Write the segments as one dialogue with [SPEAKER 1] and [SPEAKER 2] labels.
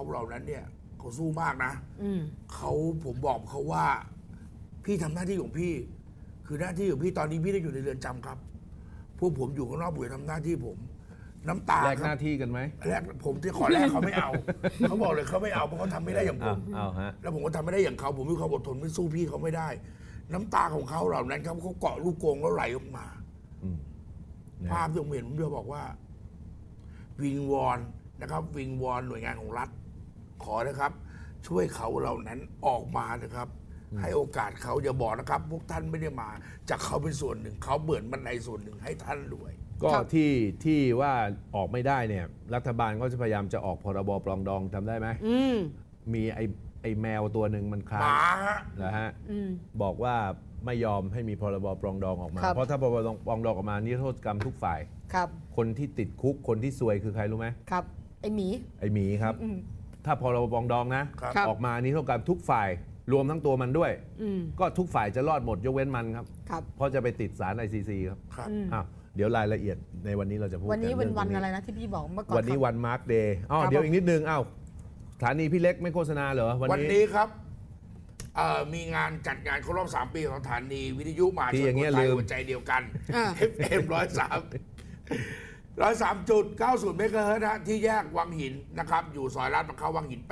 [SPEAKER 1] เหล่านั้นเนี่ยเขาสู้มากนะผมบอกเขาว่าพี่ทำหน้าที่ของพี่ คือหน้าที่ของพี่ตอนนี้พี่ได้อยู่ในเรือนจำครับพวกผมอยู่ข้างนอกผมทำหน้าที่ผมน้ำตา
[SPEAKER 2] แลกหน้าที่กันไหม
[SPEAKER 1] แลกผมที่ขอแลกเขาไม่เอา เขาบอกเลยเขาไม่เอาเพราะเขาทำไม่ได้อย่างผมแล้วผมก็ทำไม่ได้อย่างเขาผมมีความอดทนไม่สู้พี่เขาไม่ได้ น้ำตาของเขาเหล่านั้นเขาเกาะลูกกรงแล้วไหลออกมาภาพที่ผมเห็นผมจะบอกว่าวิงวอนนะครับวิงวอนหน่วยงานของรัฐขอนะครับ ช่วยเขาเหล่านั้นออกมานะครับ ให้โอกาสเขาอย่าบอกนะครับ พวกท่านไม่ได้มาจากเขาเป็นส่วนหนึ่งเขาเบิดบันไดส่วนหนึ่งให้ท่านด้วย
[SPEAKER 2] ก็ที่ว่าออกไม่ได้เนี่ยรัฐบาลก็จะพยายามจะออกพรบปรองดองทำได้ไหมมีไอ้แมวตัวหนึ่งมันค้างนะฮะบอกว่าไม่ยอมให้มีพรบปรองดองออกมาเพราะถ้าพรบปรองดองออกมานี่โทษกรรมทุกฝ่ายคนที่ติดคุกคนที่ซวยคือใครรู้ไหม
[SPEAKER 3] ครับไอ้หมี
[SPEAKER 2] ครับถ้าพรบปรองดองนะออกมานี่โทษกรรมทุกฝ่ายรวมทั้งตัวมันด้วยก็ทุกฝ่ายจะรอดหมดยกเว้นมันครับเพราะจะไปติดศาล ICC ครับเดี๋ยวรายละเอียดในวันนี้เราจะพูด
[SPEAKER 3] วันนี้เป็นวันอะไรนะที่พี่บอกเมื่อก่อน
[SPEAKER 2] วันนี้วันมาร์คเดย์เดี๋ยวอีกนิดนึงสถานีพี่เล็กไม่โฆษณาเหรอ
[SPEAKER 1] วันนี้ครับมีงานจัดงานครบรอบ3 ปีของสถานีวิทยุมหาชนคนไทยหัวใจเดียวกัน FM 103.90 เมกะเฮิรตซ์นะที่แยกวังหินนะครับอยู่ซอยลาดพร้าววังหิน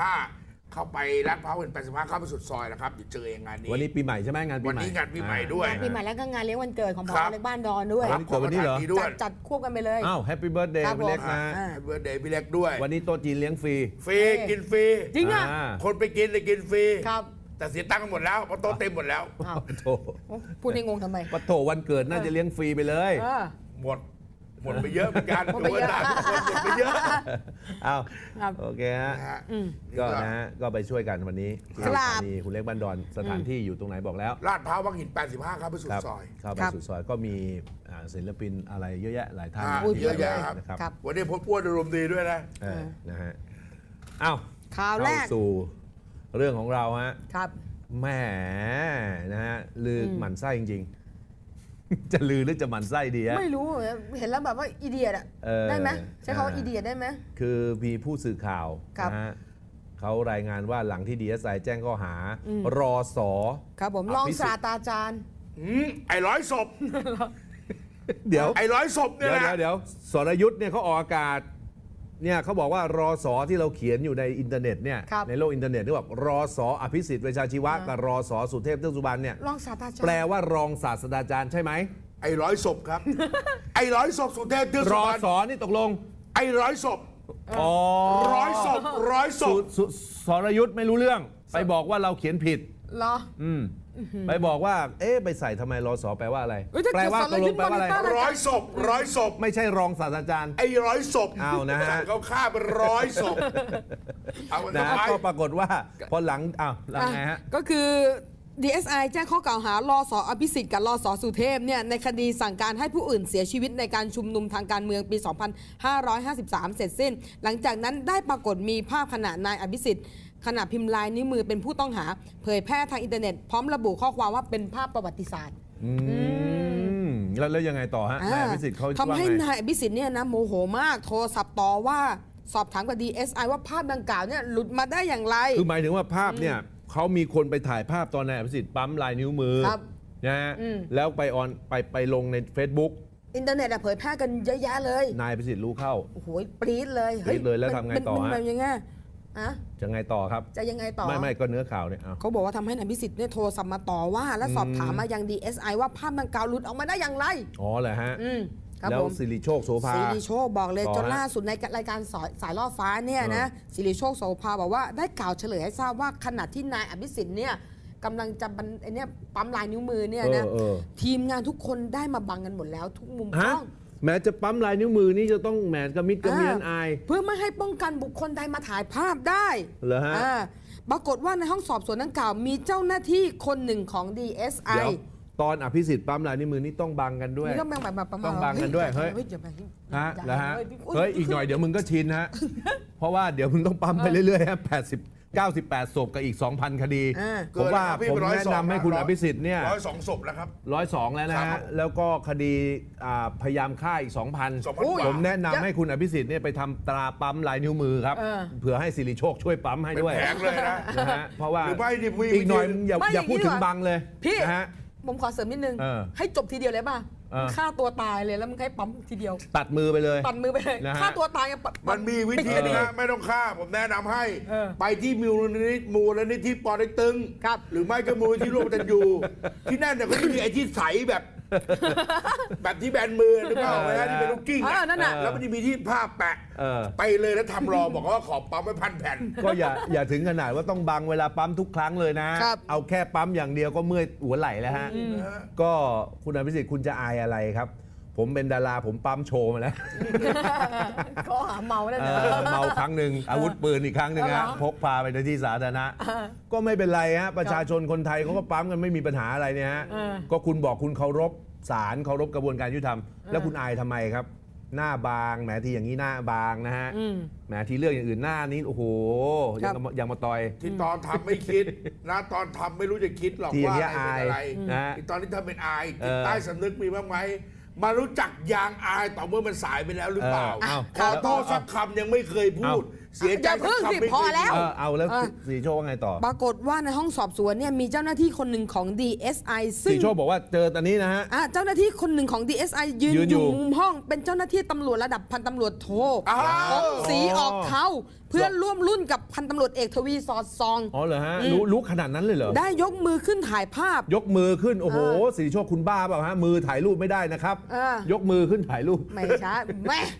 [SPEAKER 1] 85เข้าไปลาดพร้าวเป็น85เข้าไปสุดซอยนะครับเดี๋ยวเจอเองงานนี้
[SPEAKER 2] วันนี้ปีใหม่ใช่ไหมงานปีใหม่
[SPEAKER 1] วันนี้งานปีใหม่ด้วย
[SPEAKER 3] ปีใหม่แล้วก็งานเลี้ยงวันเกิดของพ่อเล็กบ้านดอนด้วย
[SPEAKER 2] วันนี้เหรอ
[SPEAKER 3] จัดควบกันไปเลย
[SPEAKER 2] แฮปปี้เบิร์ธเดย์พี่เล็กนะ
[SPEAKER 1] แฮปปี้เบิร์ธเดย์พี่เล็กด้วย
[SPEAKER 2] วันนี้โต๊ะจีนเลี้ยงฟรี
[SPEAKER 1] กินฟรี
[SPEAKER 3] จริงอ่ะ
[SPEAKER 1] คนไปกินเลยกินฟรี
[SPEAKER 3] ครับ
[SPEAKER 1] แต่เสียตังค์กันหมดแล้วเพราะโต๊ะเต็มหมดแล้ว
[SPEAKER 3] พูดให้งงทำไม
[SPEAKER 2] ปะโถวันเกิดน่าจะเลี้ยงฟรีไปเลย
[SPEAKER 1] หมดไปเยอะเหมือนกันหมดไปเยอะ
[SPEAKER 2] โอเคฮะก็นะฮะก็ไปช่วยกันวันนี้ที่สถานีคุณเล็กบ้านดอนสถานที่อยู่ตรงไหนบอกแล้ว
[SPEAKER 1] ลาดพร้าววังหิน85ครับไปสุดซอย
[SPEAKER 2] เข้าไปสุดซอยก็มีศิลปินอะไรเยอะแยะหลายท่าน
[SPEAKER 1] เยอะแยะครับวันนี้พบป้วนอารมณ์ดีด้วย
[SPEAKER 2] นะฮะ
[SPEAKER 3] ข่าวแรก
[SPEAKER 2] สู่เรื่องของเราฮะ
[SPEAKER 3] ครับ
[SPEAKER 2] แหมนะฮะลือหมั่นไส้จริงจะลือหรือจะหมั่นไส้ดีฮะ
[SPEAKER 3] ไม่รู้เห็นแล้วแบบว่าอีเดียดได้ไหมใช้คำว่าอีเดียดได้ไหม
[SPEAKER 2] คือมีผู้สื่อข่าวนะฮะเขารายงานว่าหลังที่ DSI แจ้งข้อหารอสอ
[SPEAKER 3] ครับผมรองศาสตราจารย์
[SPEAKER 1] ไอ้ร้อยศพ
[SPEAKER 2] เดี๋ยว
[SPEAKER 1] ไอ้ร้อยศพเนี่ยนะ
[SPEAKER 2] เดี๋ยวสรยุทธ์เนี่ยเขาออกอากาศเนี่ยเขาบอกว่ารอสอที่เราเขียนอยู่ในอินเทอร์เน็ตเนี่ยในโลกอินเทอร์เน็ตที่บอกรอสออภิสิทธิ์เวชชาชีวะกับรอสอสุเทพเทือกสุบรรณเนี่ย
[SPEAKER 3] รองศาสตราจารย์
[SPEAKER 2] แปลว่ารองศาสตราจารย์ใช่ไหม
[SPEAKER 1] ไอ้ร้อยศพครับไอ้ร้อยศพสุเทพเทือกสุบรรณ
[SPEAKER 2] รอสอนี่ตกลง
[SPEAKER 1] ไอ้ร้อยศพร้อยศพ
[SPEAKER 2] สรยุทธ์ไม่รู้เรื่องไปบอกว่าเราเขียนผิด
[SPEAKER 3] เหรอ
[SPEAKER 2] ไปบอกว่าไปใส่ทำไมรอสอแปลว่าอะไรแปลว่าตกลงแปลว่าอะไร
[SPEAKER 1] ร้อยศพ
[SPEAKER 2] ไม่ใช่รองศาสตราจารย์
[SPEAKER 1] ไอ้ร้อยศพ
[SPEAKER 2] นะฮะ
[SPEAKER 1] เขาฆ่าเป็นร้อยศพ
[SPEAKER 2] นะก็ปรากฏว่าพอหลังไงฮะ
[SPEAKER 3] ก็คือ DSI แจ้งข้อกล่าวหารอสอภิสิทธิ์กับรอสอสุเทพเนี่ยในคดีสั่งการให้ผู้อื่นเสียชีวิตในการชุมนุมทางการเมืองปี 2553 เสร็จสิ้นหลังจากนั้นได้ปรากฏมีภาพขณะนายอภิสิทธิ์ขณะพิมพ์ลายนิ้วมือเป็นผู้ต้องหาเผยแพร่ทางอินเทอร์เน็ตพร้อมระบุข้อความว่าเป็นภาพประวัติศาสตร์
[SPEAKER 2] แล้วยังไงต่อฮะนายอภิสิทธิ์เขา
[SPEAKER 3] ทำให้นายอภิสิทธิ์เนี่ยนะโมโหมากโทรศัพท์ต่อว่าสอบถามกับ DSI ว่าภาพดังกล่าวเนี่ยหลุดมาได้อย่างไร
[SPEAKER 2] คือหมายถึงว่าภาพเนี่ยเขามีคนไปถ่ายภาพตอนนายอภิสิทธิ์ปั๊มลายนิ้วมือนะฮะแล้วไปลงใน Facebook
[SPEAKER 3] อินเทอร์เน็ตเผยแพร่กันเยอะแยะเลย
[SPEAKER 2] นายอภิสิทธิ์รู้เข้า
[SPEAKER 3] โอ้โหปรี๊ดเลย
[SPEAKER 2] แล้วทำไงต่อฮะ
[SPEAKER 3] มันยังไง
[SPEAKER 2] จะไงต่อครับ
[SPEAKER 3] จะยังไงต่อ
[SPEAKER 2] ไม่ก็เนื้อข่าวเนี่ย
[SPEAKER 3] เขาบอกว่าทำให้นายอภิสิทธิ์เนี่ยโทรศัพท์มาต่อว่าและสอบถามมายัง DSI ว่าภาพดังกล่าวหลุดออกมาได้อย่างไร
[SPEAKER 2] เหรอฮะแล้วสิริโชคโสภา
[SPEAKER 3] สิริโชคบอกเลยจนล่าสุดในรายการสายล่อฟ้าเนี่ยนะสิริโชคโสภาบอกว่าได้กล่าวเฉลยให้ทราบว่าขณะที่นายอภิสิทธิ์เนี่ยกำลังจะปั๊มลายนิ้วมือเนี่ยนะทีมงานทุกคนได้มาบังกันหมดแล้วทุกมุมกล้อง
[SPEAKER 2] แม้จะปั๊มลายนิ้วมือนี่จะต้องแหมกระมิดกระเมียนอาย
[SPEAKER 3] เพื่อไม่ให้ป้องกันบุคคลใดมาถ่ายภาพได้
[SPEAKER 2] เหรอฮะ
[SPEAKER 3] ปรากฏว่าในห้องสอบสวนดังกล่าวมีเจ้าหน้าที่คนหนึ่งของ DSI
[SPEAKER 2] ตอนอภิสิทธิ์ปั๊มลายนิ้วมือนี่ต้องบังกันด้วย
[SPEAKER 3] ต้อง
[SPEAKER 2] บังกันด้วยเฮ้ยแล้วฮะเฮ้ยอีกหน่อยเดี๋ยวมึงก็ชินฮะเพราะว่าเดี๋ยวมึงต้องปั๊มไปเรื่อยๆฮะ 98 ศพกับอีก 2,000 คดี
[SPEAKER 3] เ
[SPEAKER 2] ผมว่า
[SPEAKER 1] เกิน
[SPEAKER 2] ผม
[SPEAKER 1] แล้วพี่
[SPEAKER 2] แนะนำให้คุณอภิสิทธิ์เนี่ย
[SPEAKER 1] 102 ศพแล้วครับ
[SPEAKER 2] 102 แล้วนะ
[SPEAKER 1] ครั
[SPEAKER 2] ฮะ
[SPEAKER 1] บ
[SPEAKER 2] แล้วก็คดีพยายามฆ่าอีก 2,000
[SPEAKER 1] 2,000
[SPEAKER 2] ผมแนะนำให้คุณอภิสิทธิ์เนี่ยไปทำตราปั๊มลายนิ้วมือครับ เผื่อให้สิริโชคช่วยปั๊มให้
[SPEAKER 1] เป็น
[SPEAKER 2] ด้วย
[SPEAKER 1] แผงเลยนะ
[SPEAKER 2] นะฮะเพราะว่า
[SPEAKER 1] หรือไม่ดิ
[SPEAKER 2] อีกหน่อยอย่า
[SPEAKER 3] ไม่
[SPEAKER 2] อย่าพูด
[SPEAKER 3] อย่างนี้
[SPEAKER 2] ถึง
[SPEAKER 3] ดีกว่า
[SPEAKER 2] บังเลย
[SPEAKER 3] พี่
[SPEAKER 2] นะฮะ
[SPEAKER 3] ผมขอเสริมนิดนึง ให้จบทีเดียวเลยป่ะ
[SPEAKER 2] อ่า
[SPEAKER 3] ฆ่าตัวตายเลยแล้วมึงให้ปั๊มทีเดียว
[SPEAKER 2] ตัดมือไปเลย
[SPEAKER 3] ตัดมือไปเลย
[SPEAKER 2] นะฮะ
[SPEAKER 3] ฆ่าตัวตายอะปั๊
[SPEAKER 1] มันมีวิธีนะไม่ต้องฆ่าผมแนะนำให้ ไปที่มูลนิธิปอเต็กตึง
[SPEAKER 3] ครับ
[SPEAKER 1] หรือไม่ก็มูลนิธิร่วมกันอยู่ ที่นั่นเนี่ยเขาจะมีไอ้ที่ใสแบบ แบบที่แบนมือหรือเปล่าไว้ที่เป็นลูกกิ้ง
[SPEAKER 3] นั่นน่ะ
[SPEAKER 1] แล้วมันจะมีที่ผ้าแปะ ไปเลยแล้วทำรอบอกว่าขอปั๊มไว้1,000 แผ่น
[SPEAKER 2] ก็อย่าถึงขนาดว่าต้องบังเวลาปั๊มทุกครั้งเลยนะ
[SPEAKER 3] ครับ
[SPEAKER 2] เอาแค่ปั๊มอย่างเดียวก็เมื่อยหัวไหล่แล้วฮะ ก็คุณอภิสิทธิ์คุณจะอายอะไรครับ ผมเป็นดาราผมปั๊มโชว์มาแล้ว
[SPEAKER 3] ข้อหาเมาได้เลย
[SPEAKER 2] เมาครั้งหนึ่งอาวุธปืนอีกครั้งหนึ่งฮะ
[SPEAKER 3] เหรอ
[SPEAKER 2] พกพาไปในที่สาธารณะ ก็ไม่เป็นไรฮะประชาชนคนไทยเขาก็ปั๊มกันไม่มีปัญหาอะไรเนี่ยฮะก็คุณบอกคุณเคารพศาลเคารพกระบวนการยุติธรรมแล้วคุณอายทำไมครับ หน้าบางแหมทีอย่างนี้หน้าบางนะฮะแหมทีเรื่องอย่างอื่นหน้านี้โอ้โหยังมาต่อย
[SPEAKER 1] ที่ตอนทำไม่คิดนะตอนทำไม่รู้จะคิดหรอก
[SPEAKER 2] ที่อย่าง
[SPEAKER 1] ว่า
[SPEAKER 2] เงี้ย
[SPEAKER 1] อะไรเป็นอะไร
[SPEAKER 2] อายนะ
[SPEAKER 1] ที่ตอนนี้ทำเป็นอายจิตใต้สำนึกมีบ้างไหมมารู้จักยางอายต่อเมื่อมันสายไปแล้วหรือเปล่า ขอโทษสักคำยังไม่เคยพูด เสียใจ
[SPEAKER 3] อย่า
[SPEAKER 1] สั
[SPEAKER 3] เพิ่
[SPEAKER 1] ก
[SPEAKER 3] ง
[SPEAKER 1] คำ
[SPEAKER 3] สิ
[SPEAKER 1] ไม่
[SPEAKER 3] พอ
[SPEAKER 1] เคย
[SPEAKER 3] แล้ว
[SPEAKER 2] เอาแล้วสีโชคว่าไงต่อ
[SPEAKER 3] ปรากฏว่าในห้องสอบสวนเนี่ยมีเจ้าหน้าที่คนหนึ่งของ DSI ซึ่
[SPEAKER 2] สี
[SPEAKER 3] ง
[SPEAKER 2] โชคบอกว่าเจอตอนนี้นะฮะ
[SPEAKER 3] เจ้าหน้าที่คนหนึ่งของ DSI ยืน
[SPEAKER 2] ยืน
[SPEAKER 3] อ
[SPEAKER 2] อยู่
[SPEAKER 3] ยู่มุมห้องเป็นเจ้าหน้าที่ตำรวจระดับพันตำรวจโท
[SPEAKER 1] อ้าว
[SPEAKER 3] ของสีออกเขาเพื่อนร่วมรุ่นกับพันตำรวจเอกทวีสอดซอง
[SPEAKER 2] อ๋อเหรอฮะรู้ขนาดนั้นเลยเหรอ
[SPEAKER 3] ได้ยกมือขึ้นถ่ายภาพ
[SPEAKER 2] ยกมือขึ้นโอ้โหสีโชคคุณบ้าเปล่าฮะมือถ่ายรูปไม่ได้นะครับ ยกมือขึ้นถ่ายรูป
[SPEAKER 3] ไม่ใช่แม่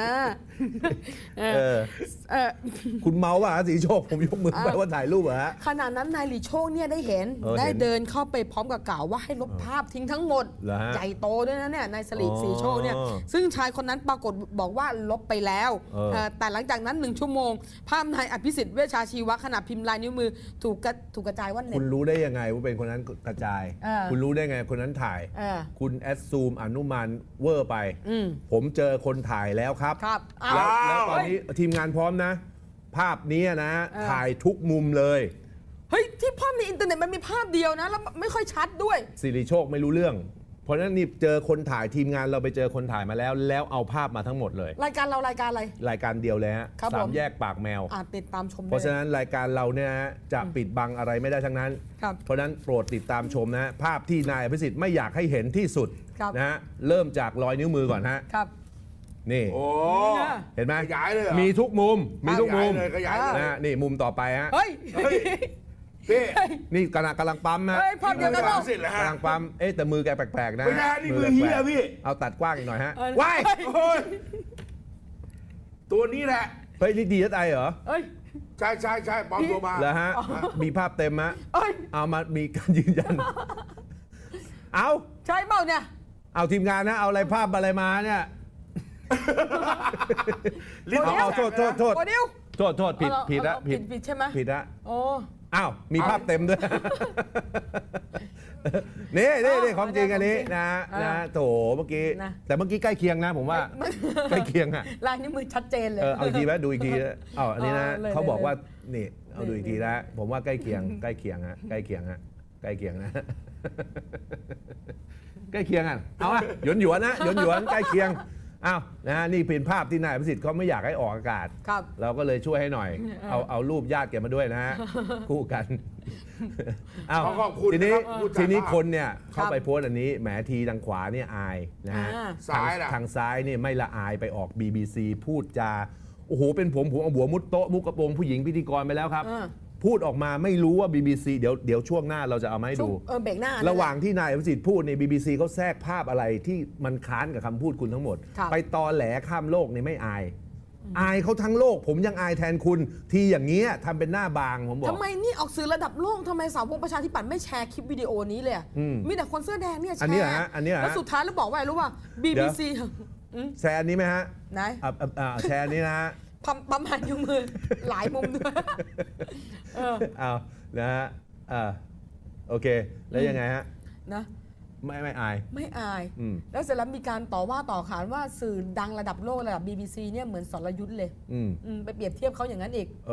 [SPEAKER 2] คุณเมาว่ะสีโชคผมยกมือไปว่าถ่ายรูปเหรอฮะ
[SPEAKER 3] ขณะนั้นนายหลีโชคเนี่ยได้เห็น
[SPEAKER 2] เห็น
[SPEAKER 3] ได้เดินเข้าไปพร้อมกับกล่าวว่าให้ลบภาพทิ้งทั้งหมด
[SPEAKER 2] เหรอฮะ
[SPEAKER 3] ใหญ่โตด้วยนะเนี่ยนายสีโชคเนี่ย
[SPEAKER 2] อ๋อ
[SPEAKER 3] ซึ่งชายคนนั้นปรากฏบอกว่าลบไปแล้ว แต่หลังจากนั้น1 ชั่วโมง ภาพนายอภิสิทธิ์เวชชาชีวะขณะพิมพ์ลายนิ้วมือถูกกระจายว่าเน็
[SPEAKER 2] คุ
[SPEAKER 3] ต
[SPEAKER 2] ณรู้ได้ยังไงว่าเป็นคนนั้นกระจาย คุณรู้ได้ไงคนนั้นถ่าย คุณแอดซูมอนุมานเวอร์ไป ผมเจอคนถ่ายแล้วครับ
[SPEAKER 3] ครับ
[SPEAKER 2] แล้วตอนนี้ทีมงานพร้อมนะ ภาพนี้นะ ถ่ายทุกมุมเลย
[SPEAKER 3] เฮ้ยที่ภาพในอินเทอร์เน็ตมันมีภาพเดียวนะแล้วไม่ค่อยชัดด้วย
[SPEAKER 2] สิริโชคไม่รู้เรื่อง เพราะฉะนั้นนี่เจอคนถ่ายทีมงานเราไปเจอคนถ่ายมาแล้ว แล้วเอาภาพมาทั้งหมดเลย
[SPEAKER 3] รายการเรารายการอะไร
[SPEAKER 2] รายการเดียวเลยฮะ
[SPEAKER 3] ครับ
[SPEAKER 2] สา
[SPEAKER 3] ผม ม
[SPEAKER 2] แยกปากแมว
[SPEAKER 3] ติดตามชมได้
[SPEAKER 2] เพราะฉะนั้นรายการเราเนี่ยฮะจะปิดบังอะไรไม่ได้ทั้งนั้น
[SPEAKER 3] ครับ
[SPEAKER 2] เพราะฉะนั้นโปรดติดตามชมนะฮะภาพที่นายอภิสิทธิ์ไม่อยากให้เห็นที่สุด
[SPEAKER 3] ครับ
[SPEAKER 2] นะฮะเริ่มจากรอยนิ้วมือก่อนฮะ
[SPEAKER 3] ครับ
[SPEAKER 2] นี่
[SPEAKER 1] โอ้
[SPEAKER 2] เห็นไหม
[SPEAKER 1] ขยายเลยเหรอ
[SPEAKER 2] มีทุกมุมมีทุกมุม
[SPEAKER 1] ขยายเลย
[SPEAKER 2] นะฮะนี่มุมต่อไปฮะ
[SPEAKER 3] เฮ้ย
[SPEAKER 1] เฮ้ยพี่
[SPEAKER 2] นี่กำลังปั๊มนะ
[SPEAKER 3] เฮ้ยภาพเดียวกัน
[SPEAKER 1] มือ
[SPEAKER 3] เปล่า
[SPEAKER 1] เสร็จแล้วฮะ
[SPEAKER 2] กำลังปั๊มแต่มือแกแปลกๆนะ
[SPEAKER 1] ไม่ได้นี่มือเหี้ย
[SPEAKER 2] แปลกๆ
[SPEAKER 1] พี่
[SPEAKER 2] เอาตัดกว้างอีกหน่อยฮะ
[SPEAKER 3] ว้าย
[SPEAKER 1] โอ้ยตัวนี้แหละ
[SPEAKER 2] เฮ้ยนี่DSIเหรอ
[SPEAKER 3] เฮ้ย
[SPEAKER 1] ใช่ใช่ใช่ปลอมตัวมา
[SPEAKER 2] แล้วฮะมีภาพเต็มฮะ
[SPEAKER 3] เอ้ย
[SPEAKER 2] เอามามีการยืนยัน เอา
[SPEAKER 3] ใช่เปล่าเนี่ย
[SPEAKER 2] เอาทีมงานนะเอาอะไรภาพอะไรมาเนี่ย
[SPEAKER 1] ลิ้น
[SPEAKER 2] เอาโทษ
[SPEAKER 3] โอ้ดิว
[SPEAKER 2] โทษผิด
[SPEAKER 3] เอา
[SPEAKER 2] ผิดละ
[SPEAKER 3] เอาผิดใช่ไหม
[SPEAKER 2] ผิดละ
[SPEAKER 3] โอ้
[SPEAKER 2] อ้าวมีภาพเต็มด้วย นี่ความจริงอันนี้นะโถเมื่อกี้แต่เมื่อกี้ใกล้เคียงนะผมว่าใกล้เคียงอ่ะ
[SPEAKER 3] ลายนิ้วมือชัดเจนเลย
[SPEAKER 2] เอาอีกทีไหมดูอีกทีนะอันนี้นะ
[SPEAKER 3] เลย
[SPEAKER 2] เขาบอก
[SPEAKER 3] เลย
[SPEAKER 2] ว่านี่เอาดูอีกทีนะผมว่าใกล้เคียงใกล้เคียงฮะใกล้เคียงฮะใกล้เคียงนะ ใกล้เคียงอ่ะเอาอะหยวนนะหยวนใกล้เคียงอ้าวนะนี่เป็นภาพที่นายประสิทธิ์เขาไม่อยากให้ออกอากาศ
[SPEAKER 3] ครับ
[SPEAKER 2] เราก็เลยช่วยให้หน่อย เอารูปญาติแกมาด้วยนะฮะ คู่กันอ้าว
[SPEAKER 1] ขอบคุณ
[SPEAKER 2] ทีนี้
[SPEAKER 1] นะครับผู้จัด
[SPEAKER 2] ทีนี้
[SPEAKER 1] ภาพ
[SPEAKER 2] คนเนี่ยเข้าไปโพสต์อันนี้แหมทีทางขวาเนี่ยอายนะฮะ
[SPEAKER 1] ซ้ายล่ะ
[SPEAKER 2] ทางซ้ายเนี่ยไม่ละอายไปออก BBC พูดจาโอ้โหเป็นผมเอาหัวมุดโต๊ะมุกกระโปรงผู้หญิงพิธีกรไปแล้วครับ พูดออกมาไม่รู้ว่า BBC เดี๋ยวช่วงหน้าเราจะเอามาให้ดู
[SPEAKER 3] เบรกหน้า
[SPEAKER 2] ระหว่างที่นายอภิสิทธิ์พูดใน BBC เขาแทรกภาพอะไรที่มันค้านกับคำพูดคุณทั้งหมด
[SPEAKER 3] ครับ
[SPEAKER 2] ไปตอแหลข้ามโลกนี่ไม่อาย อายเขาทั้งโลก ผมยังอายแทนคุณ ทีอย่างเงี้ยทำเป็นหน้าบางผมบอก
[SPEAKER 3] ทำไมนี่ออกสื่อระดับโลกทำไมสาวกประชาธิปัตย์ไม่แชร์คลิปวิดีโอนี้เลยอะมีแต่คนเสื้อแดงเนี่ยแชร์
[SPEAKER 2] อันนี้เหรอฮะอันนี้เหรอฮะ
[SPEAKER 3] แล้วสุดท้ายแล้วบอกว่าอะไรรู้ป่ะ BBC
[SPEAKER 2] แชร์อันนี้ไหมฮะ
[SPEAKER 3] ไหน
[SPEAKER 2] แชร์อันนี้นะฮะ
[SPEAKER 3] ปั๊มหันนิ้วมือหลายมุมด้วย
[SPEAKER 2] เอานะฮะโอเค แล้วยังไงฮะ
[SPEAKER 3] นะ
[SPEAKER 2] ไม่อาย
[SPEAKER 3] ไม่อาย
[SPEAKER 2] อืม
[SPEAKER 3] แล้วเสร็จแล้วมีการต่อว่าต่อขานว่าสื่อดังระดับโลกระดับ BBC เนี่ยเหมือนสรยุทธ์เลย
[SPEAKER 2] อืม
[SPEAKER 3] ไปเปรียบเทียบเขาอย่างนั้นอีก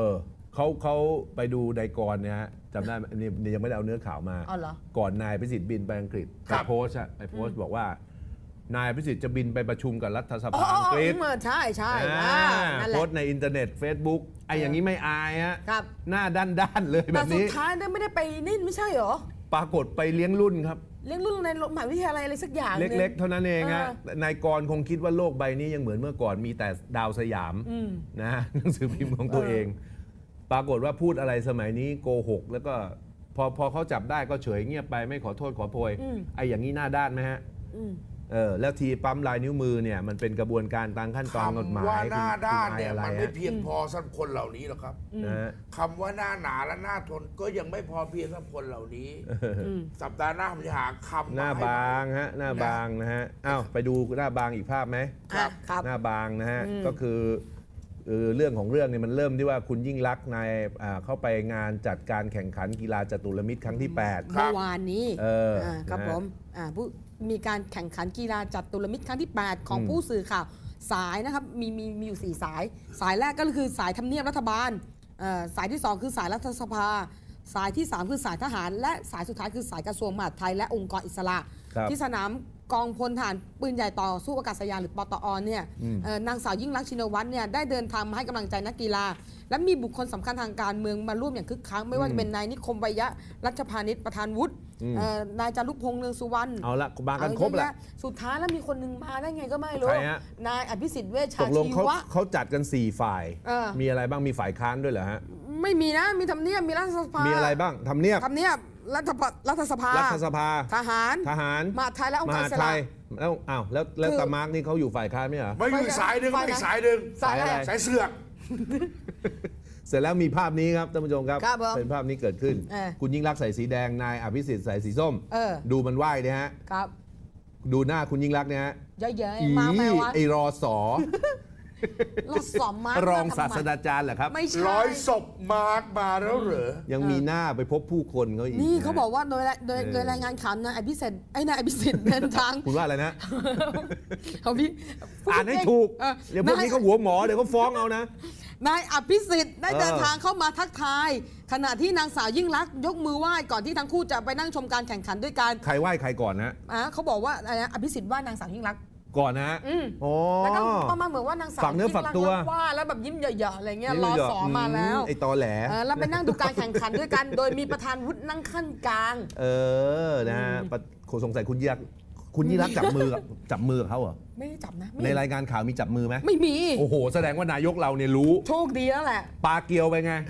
[SPEAKER 2] เขาไปดูไดกรเนี่ยฮะจำได้ไหมนี่ยังไม่ได้เอาเนื้อข่าวมา
[SPEAKER 3] อ๋อเหรอ
[SPEAKER 2] ก่อนนายพิสิทธิ์บินไปอังกฤษ
[SPEAKER 1] ค
[SPEAKER 2] ไป
[SPEAKER 1] รับ
[SPEAKER 2] โพสต์บอกว่านายพิสิทธิ์จะบินไปประชุมกับรัฐส
[SPEAKER 3] อ๋อ
[SPEAKER 2] ภาอังกฤษ
[SPEAKER 3] ใช่ใช่
[SPEAKER 2] อ่า
[SPEAKER 3] นั่นแห
[SPEAKER 2] โพ
[SPEAKER 3] ละ
[SPEAKER 2] สต์ในอินเทอร์เน็ต Facebook ไอ้อย่างนี้ไม่อายฮะ
[SPEAKER 3] ครับ
[SPEAKER 2] หน้าด้านๆเลยแบ
[SPEAKER 3] แต่
[SPEAKER 2] บ
[SPEAKER 3] สุด
[SPEAKER 2] นี้
[SPEAKER 3] ท้ายไม่ได้ไปนี่ไม่ใช่เหรอ
[SPEAKER 2] ปรากฏไปเลี้ยงรุ่นครับ
[SPEAKER 3] เลี้ยงลูกในมหาวิทยาลัยอะไรสักอย่างหนึ่ง
[SPEAKER 2] เล็กๆ เท่านั้นเองฮะ
[SPEAKER 3] เออ
[SPEAKER 2] นายกรคงคิดว่าโลกใบนี้ยังเหมือนเมื่อก่อนมีแต่ดาวสยามนะ หนังสือพิมพ์ของตัวเอง ปรากฏว่าพูดอะไรสมัยนี้โกหก แล้วก็พอเขาจับได้ก็เฉยเงียบไปไม่ขอโทษขอโพยไอ้อย่างนี้หน้าด้านไหมฮะแล้วทีปั๊มลายนิ้วมือเนี่ยมันเป็นกระบวนการตามขั้นตอนกฎหมาย
[SPEAKER 1] คำว่าหน้าด้านเนี่ย
[SPEAKER 2] คุณ
[SPEAKER 1] มัน
[SPEAKER 2] อายอะไร
[SPEAKER 1] ไม่
[SPEAKER 2] ฮะ
[SPEAKER 1] เพียงพอสำหรับคนเหล่านี้หรอกครับ
[SPEAKER 2] นะฮะ
[SPEAKER 1] คำว่าหน้าหนาและหน้าทนก็ยังไม่พอเพียงสำหรับคนเหล่านี้ สัปดาห์หน้าผมจะหาคำ
[SPEAKER 2] หน้า
[SPEAKER 1] มาให้
[SPEAKER 2] บางฮะหน้าบางนะฮะอ้าวไปดูหน้าบางอีกภาพไหม
[SPEAKER 3] ครับ
[SPEAKER 2] หน้าบางนะฮะก็คือเรื่องของเรื่องเนี่ยมันเริ่มที่ว่าคุณยิ่งลักษณ์เข้าไปงานจัดการแข่งขันกีฬาจตุรมิตรครั้งที่ 8
[SPEAKER 3] เมื่อวานนี้ ครับ
[SPEAKER 2] นะฮะ
[SPEAKER 3] ผมมีการแข่งขันกีฬาจัตุรมิตรครั้งที่ 8 ของผู้สื่อข่าวสายนะครับมีอยู่ 4 สาย สายแรกก็คือสายทำเนียบรัฐบาลสายที่ 2 คือสายรัฐสภา สายที่ 3 คือสายทหาร และสายสุดท้ายคือสายกระทรวงมหาดไทยและองค์กรอิสระ
[SPEAKER 2] ครับ
[SPEAKER 3] ที่สนามกองพลทหารปืนใหญ่ต่อสู้อากาศยานหรือปตอเนี่ยนางสาวยิ่งลักษณ์ชินวัตรเนี่ยได้เดินทางมาให้กำลังใจนักกีฬา และมีบุคคลสำคัญทางการเมืองมาร่วมอย่างคึกคักไม่ว่าจะเป็นนายนิคมไวยะรัชพานิชประธานวุฒินายจารุพงษ์เนืองสุวรรณ
[SPEAKER 2] เอาละมากันครบแหละ
[SPEAKER 3] สุดท้ายแล้วมีคนหนึ่งมาได้ไงก็ไม่รู้
[SPEAKER 2] ใครฮะ
[SPEAKER 3] นายอภิสิทธิ์เวช
[SPEAKER 2] ต
[SPEAKER 3] ชาก
[SPEAKER 2] ลง
[SPEAKER 3] ชี
[SPEAKER 2] เขา
[SPEAKER 3] วะ
[SPEAKER 2] เขาจัดกัน 4 ฝ่าย มีอะไรบ้างมีฝ่ายค้านด้วยเหรอฮะ
[SPEAKER 3] ไม่มีนะมีทำเนียบมีรัฐสภา
[SPEAKER 2] มี
[SPEAKER 3] มี
[SPEAKER 2] อะไรบ้างทำเนียบ
[SPEAKER 3] ทำเนียบรัฐสภา
[SPEAKER 2] รัฐสภา
[SPEAKER 3] ทหาร
[SPEAKER 2] ทหาร
[SPEAKER 3] มหาดไทยและองค์
[SPEAKER 2] ม
[SPEAKER 3] การ
[SPEAKER 2] หา
[SPEAKER 3] อิส
[SPEAKER 2] ไท
[SPEAKER 3] ระ
[SPEAKER 2] ยแล้วอ้าวแล้ว
[SPEAKER 3] คือ
[SPEAKER 2] ตามาร์กนี่เขาอยู่ฝ่ายค้านไหมเหรอ
[SPEAKER 1] ไม่อยู่อีกสายหนึ่ง
[SPEAKER 3] ฝ่าย
[SPEAKER 1] ไม่
[SPEAKER 3] ไหน
[SPEAKER 1] อีกสายหนึ่ง
[SPEAKER 3] สายอะไร
[SPEAKER 1] สายเสือก
[SPEAKER 2] เสร็จแล้วมีภาพนี้ครับท่านผู้ชมครับ
[SPEAKER 3] ครับผม
[SPEAKER 2] เป็นภาพนี้เกิดขึ้น คุณยิ่งรักษณ์ใส่สีแดงนายอภิสิทธิ์ใส่สีส้ม ดูมันไหว้เนี่ยฮะ
[SPEAKER 3] ครับ
[SPEAKER 2] ดูหน้าคุณยิ่งรักษณ์เนี่ยฮะ
[SPEAKER 3] เยอะๆมาไหมวะ
[SPEAKER 2] ไอ้รอสอ
[SPEAKER 3] เราสอบมาร
[SPEAKER 2] องศาสตราจารย์เหรอครับ
[SPEAKER 3] ไม่ใช่
[SPEAKER 1] ร้อยศพมาร์กมาแล้วเหรอ
[SPEAKER 2] ยังมีหน้าไปพบผู้คนเขาอีก
[SPEAKER 3] นี่
[SPEAKER 2] ะ
[SPEAKER 3] เขาบอกว่าโดยรายงานข่าวนายอภิสิทธิ์นายอภิสิทธิ์เดินทาง
[SPEAKER 2] คุณว่าอะไรนะ
[SPEAKER 3] เขาพี่
[SPEAKER 2] อ่านให้ถูก
[SPEAKER 3] เออ
[SPEAKER 2] เดี๋ยวพวกนี้เขาหัวหมอเดี๋ยวเขาฟ้องเอานะ
[SPEAKER 3] นายอภิสิทธิ์ได้
[SPEAKER 2] เออ
[SPEAKER 3] เดินทางเข้ามาทักทาย ขณะที่นางสาวยิ่งลักษณ์ยกมือไหว้ก่อนที่ทั้งคู่จะไปนั่งชมการแข่งขันด้วยกัน
[SPEAKER 2] ใครไหว้ใครก่อนนะ
[SPEAKER 3] เขาบอกว่าอะไรนะอภิสิทธิ์ไหว้นางสาวยิ่งลักษณ์
[SPEAKER 2] ก่อนนะฮะโอ้
[SPEAKER 3] แล้วก็ประมาณเหมือนว่านางสาว
[SPEAKER 2] ฝากเนื้อฝากตัว
[SPEAKER 3] ยิ่งลักษณ์ว่าแล้วแบบยิ้มเหยาะๆอะไรเงี้ยรอสอมาแล้ว
[SPEAKER 2] ไอ้ตอแหล
[SPEAKER 3] แล้วไปนั่งดูการแข่งขันด้วยกัน โดยมีประธานวุฒินั่งขั้นกลาง
[SPEAKER 2] นะฮะสงสัยคุณยิ่งรักษณ์จับมือกับเขาเหรอ
[SPEAKER 3] ไม่ได้จับนะ
[SPEAKER 2] ในรายการข่าวมีจับมือไหม
[SPEAKER 3] ไม่มี
[SPEAKER 2] โอ้โห แสดงว่านายกเราเนี่ยรู้
[SPEAKER 3] โชคดีแล้วแหละ
[SPEAKER 2] ปลาเกียวไปไง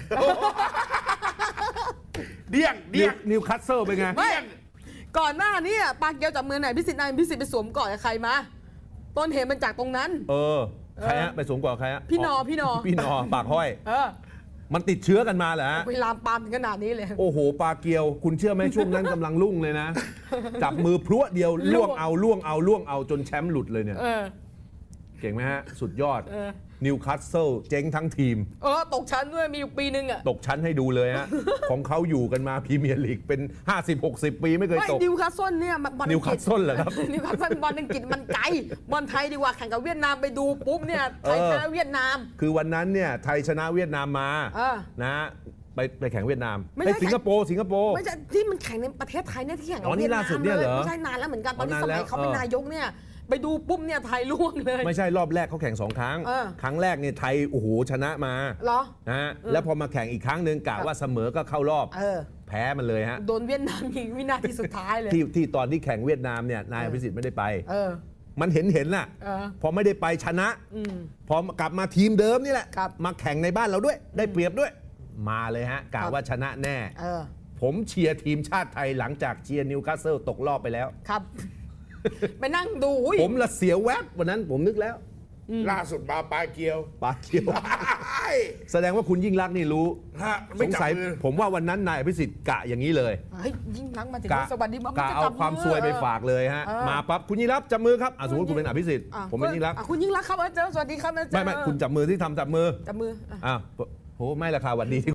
[SPEAKER 1] เดี้ยงเดี้ยง
[SPEAKER 2] นิวคัสเซิลไปไง
[SPEAKER 3] ไม่ ก่อนหน้านี้ปากเกียวจับมือไหนพิสิทธิ์นายพิสิทธิ์ไปสวมกอดกับใครมาต้นเหตุมันจากตรงนั้น
[SPEAKER 2] ใครฮะไปสวมกอดใครฮะ
[SPEAKER 3] พี่นอ
[SPEAKER 2] พี่นอปากห้อย มันติดเชื้อกันมาเหรอฮะ
[SPEAKER 3] ไปลามปามถึงขนาดนี้เลย
[SPEAKER 2] โอ้โหปลาเกียว คุณเชื่อไหมช่วงนั้นกำลังรุ่งเลยนะ จับมือพรวดเดียวล่วงเอาจนแชมป์หลุดเลยเนี่ย เก่งไหมฮะ สุดยอดนิวคาสเซิลเจ๊งทั้งทีม
[SPEAKER 3] ตกชั้นด้วยมีอยู่ปีนึงอ่ะ
[SPEAKER 2] ตกชั้นให้ดูเลยฮะ ของเขาอยู่กันมาพรีเมียร์ลีกเป็น 50-60 ปีไม่เคย
[SPEAKER 3] ไม่
[SPEAKER 2] ตก
[SPEAKER 3] นิวคาสเซิลเนี่ยบอล
[SPEAKER 2] นิวคาสเซิลเหรอครับ
[SPEAKER 3] นิวคาสเซิลบอลอังกฤษมันไกลบอลไทยดีกว่าแข่งกับเวียดนามไปดูปุ๊บเนี่ยไทยชนะเวียดนาม
[SPEAKER 2] คือวันนั้นเนี่ยไทยชนะเวียดนามมานะไปแข่งเวียดนาม
[SPEAKER 3] ไม่ใช่
[SPEAKER 2] สิงคโปร์
[SPEAKER 3] ไม่ใช่ที่มันแข่งในประเทศไทยเนี่ยที่แข่งกับ
[SPEAKER 2] อ๋อนี่
[SPEAKER 3] เวียดนา
[SPEAKER 2] ล่าม สุดเนี่ยเหรอ
[SPEAKER 3] ไม่ใช่นานแล้วเหมือนกันตอนนี้
[SPEAKER 2] อ๋อ
[SPEAKER 3] ส
[SPEAKER 2] นานแล้
[SPEAKER 3] มั
[SPEAKER 2] วย
[SPEAKER 3] เขาเป็นนายกเนี่ยไปดูปุ๊บเนี่ยไทยล่วงเลย
[SPEAKER 2] ไม่ใช่รอบแรกเขาแข่ง2 ครั้ง ครั้งแรกเนี่ยไทยโอ้โหชนะมา
[SPEAKER 3] เหรอ
[SPEAKER 2] นะฮะแล้วพอมาแข่งอีกครั้งหนึ่งกะว่าเสมอก็เข้ารอบ แพ้มันเลยฮะ
[SPEAKER 3] โดนเวียดนามยิงวินาทีสุดท้ายเลย
[SPEAKER 2] ที่ตอนที่แข่งเวียดนามเนี่ยนายอภิสิทธิ์ไม่ได้ไป มันเห็นน่ะ
[SPEAKER 3] เออ
[SPEAKER 2] พอไม่ได้ไปชนะพอกลับมาทีมเดิมนี่แหละ
[SPEAKER 3] ครับ
[SPEAKER 2] มาแข่งในบ้านเราด้วย ได้เปรียบด้วย มาเลยฮะกะว่าชนะแน่ ผมเชียร์ทีมชาติไทยหลังจากเชียร์นิวคาสเซิลตกรอบไปแล้ว
[SPEAKER 3] ครับ ไปนั่งดูอุ๊ย
[SPEAKER 2] ผมละเสียแวบวันนั้นผมนึกแล้ว
[SPEAKER 1] ล่าสุดมาปลาเกียว
[SPEAKER 2] ปาเขียว แสดงว่าคุณยิ่งรักษณ์นี่รู้
[SPEAKER 1] ฮะ
[SPEAKER 2] ส
[SPEAKER 1] ไม่
[SPEAKER 2] ง
[SPEAKER 1] จับ
[SPEAKER 2] สัย
[SPEAKER 1] มือ
[SPEAKER 2] ผมว่าวันนั้นนายอภิสิทธิ์กะอย่างนี้เลย
[SPEAKER 3] เฮ้ยยิ่งลักษณ์มาถึง
[SPEAKER 2] กะ
[SPEAKER 3] สวัสดีมัน
[SPEAKER 2] กะ
[SPEAKER 3] จะ
[SPEAKER 2] เอา
[SPEAKER 3] จับ
[SPEAKER 2] ความซวยไปฝากเลยฮะ มาปั๊บคุณยิ่งรักษณ์จับมือครับสมมติคุณเป็นอภิสิทธิ์ผมเป็นยิ่งรักษณ์
[SPEAKER 3] คุณยิ่งรักษณ์ครับเจอสวัสดีครับ
[SPEAKER 2] ไม่คุณจับมือที่ทำจับมือ
[SPEAKER 3] จับมือ
[SPEAKER 2] โหไม่ละค่ะวันดี